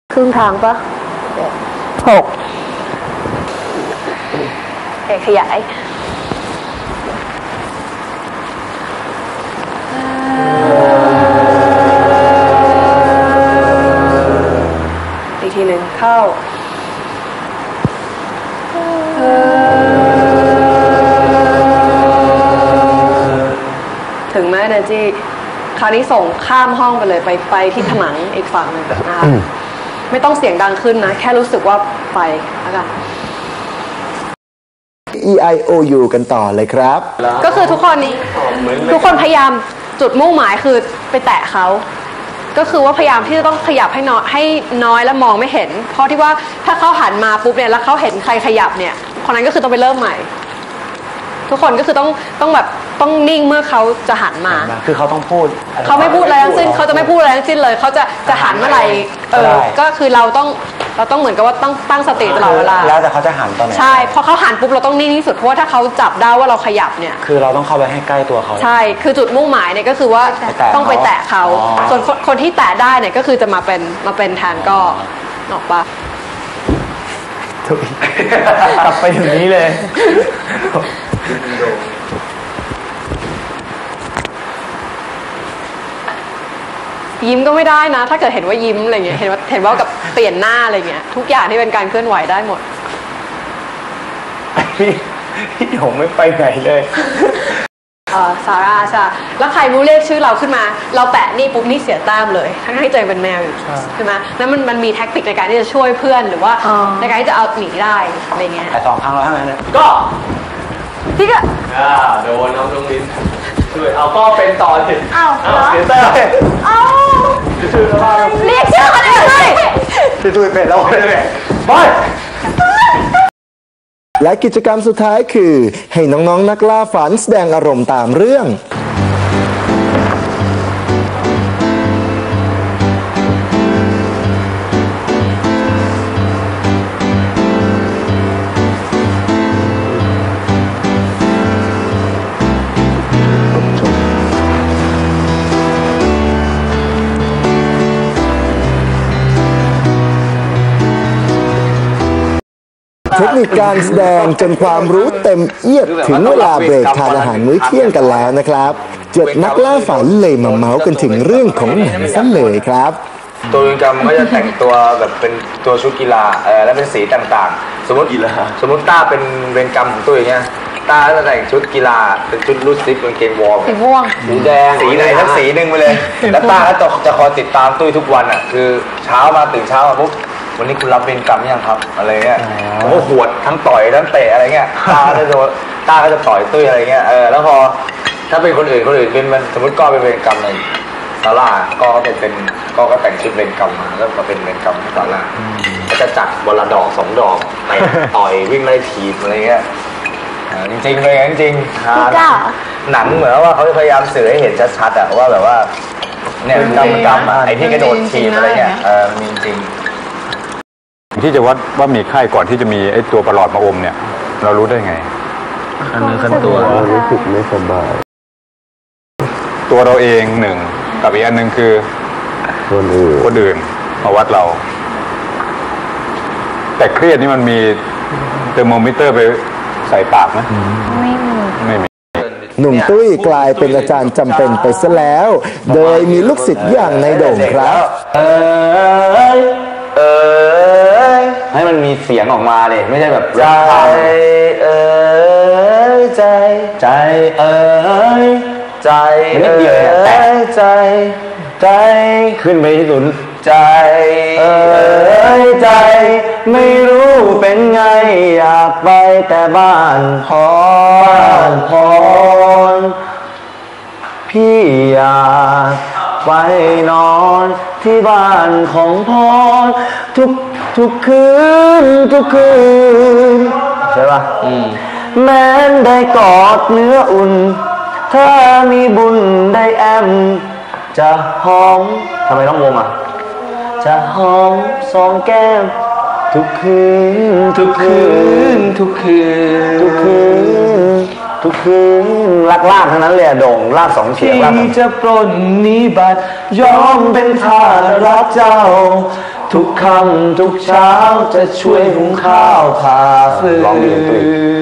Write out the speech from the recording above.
ครึ่งทางปะ6ขยายอีกทีหนึ่งเข้าถึงไหมนะจี้คราวนี้ส่งข้ามห้องไปเลยไปที่ผนังอีกฝั่งหนึ่งนะคะไม่ต้องเสียงดังขึ้นนะแค่รู้สึกว่าไปแล้วกัน EIOU กันต่อเลยครับก็คือทุกคนพยายามจุดมุ่งหมายคือไปแตะเขาก็คือว่าพยายามที่จะต้องขยับให้น้อยและมองไม่เห็นเพราะที่ว่าถ้าเขาหันมาปุ๊บเนี่ยแล้วเขาเห็นใครขยับเนี่ยคนนั้นก็คือต้องไปเริ่มใหม่ทุกคนก็คือต้องแบบต้องนิ่งเมื่อเขาจะหันมาคือเขาต้องพูดเขาไม่พูดอะไรทั้งสิ้นเขาจะไม่พูดอะไรทั้งสิ้นเลยเขาจะหันเมื่อไหร่ก็คือเราต้องเหมือนกับว่าต้องตั้งสติตลอดเวลาแล้วแต่เขาจะหันตอนไหนใช่พอเขาหันปุ๊บเราต้องนิ่งที่สุดเพราะว่าถ้าเขาจับได้ว่าเราขยับเนี่ยคือเราต้องเข้าไปให้ใกล้ตัวเขาใช่คือจุดมุ่งหมายเนี่ยก็คือว่าต้องไปแตะเขาส่วนคนที่แตะได้เนี่ยก็คือจะมาเป็นแทนก็ออกปะกลับไปถึงนี้เลยยิ้มก็ไม่ได้นะถ้าเกิดเห็นว่ายิ้มอะไรเงี้ยเห็นว่ากับเปลี่ยนหน้าอะไรเงี้ยทุกอย่างที่เป็นการเคลื่อนไหวได้หมดพี่ผมไม่ไปไหนเลยซาร่าใช่แล้วใครรู้เรียกชื่อเราขึ้นมาเราแปะนี่ปุ๊บนี่เสียแต้มเลยทั้งที่ใจเป็นแมวอยู่ใช่ไหมแล้วมันมีแท็กติกในการที่จะช่วยเพื่อนหรือว่าในการที่จะเอาหนีได้อะไรเงี้ยแต่2 ครั้งแล้วทั้งนั้นก็พี่ก็โดนน้องลิ้นช่วยเอาก็เป็นต่อสิเสียแต้มเรียกชื่อกันเลยช่วยเป็นแล้วไปและกิจกรรมสุดท้ายคือให้น้องๆนักล่าฝันแสดงอารมณ์ตามเรื่องเทคนิคการแสดงจนความรู้เต็มเอียดถึงเวลาเบรกทานอาหารมื้อเที่ยงกันแล้วนะครับ7นักล่าฝันเลยมาเมาส์กันถึงเรื่องของหนังซะเลยครับตัวเวรกรรมก็จะแต่งตัวแบบเป็นตัวชุดกีฬาและเป็นสีต่างๆสมมติต้าเป็นเวรกรรมของตัวอย่างเงี้ยต้าจะแต่งชุดกีฬาเป็นชุดลูซิปเป็นเกมวอลสีม่วงสีแดงสีไหนทั้งสีหนึ่งไปเลยแล้วต้าก็จะคอยติดตามตุ้ยทุกวันอ่ะคือเช้ามาตื่นเช้ามาปุ๊บวันนี้คุณรับเวรกรรมยังครับอะไรเงี้ยผมก็หวดทั้งต่อยทั้งเตะอะไรเงี้ยต้าก็จะต่อยตุ้ยอะไรเงี้ยแล้วพอถ้าเป็นคนอื่นเป็นมันสมมติก็เป็นเวรกรรมในศาลาก็แต่งชุดเวรกรรมมาแล้วมาเป็นเวรกรรมที่ศาลาก็จะจัดวันละดอก2 ดอกไปต่อยวิ่งไล่ทีมอะไรเงี้ยจริงๆเลยจริงๆหนังเหมือนว่าเขาจะพยายามสื่อให้เห็นชัดๆอะว่าแบบว่าเนี่ยกรรมไอ้ที่กระโดดทีมอะไรเงี้ยมีจริงที่จะวัดว่ามีไข้ก่อนที่จะมีไอ้ตัวประหลอดมาอมเนี่ยเรารู้ได้ไงขั้นตัวรู้สึกไม่สบายตัวเราเอง1กับอีกอันนึงคือคนอื่นมาวัดเราแต่เครียดนี่มันมีเทอร์โมมิเตอร์ไปใส่ปากไหมไม่มีหนุ่มตุ้ยกลายเป็นอาจารย์จำเป็นไปซะแล้วโดยมีลูกศิษย์อย่างในโด่งครับให้มันมีเสียงออกมาเลยไม่ใช่แบบใจนิดเดียวใจขึ้นไปที่สุดใจไม่รู้เป็นไงอยากไปแต่บ้านพรพี่อยากไปนอนที่บ้านของพรทุกคืนใช่ป่ะแม้นได้กอดเนื้ออุ่นถ้ามีบุญได้แอมจะหอมทำไมต้องวงอ่ะจะหอม2 แก้มทุกคืนลากทั้งนั้นเลยโด่งลาก2 เสียงลากจะปล้นนิบัติยอมเป็นทาสรักเจ้าทุกค่ำทุกเช้าจะช่วยหุงข้าวผ่าฟืน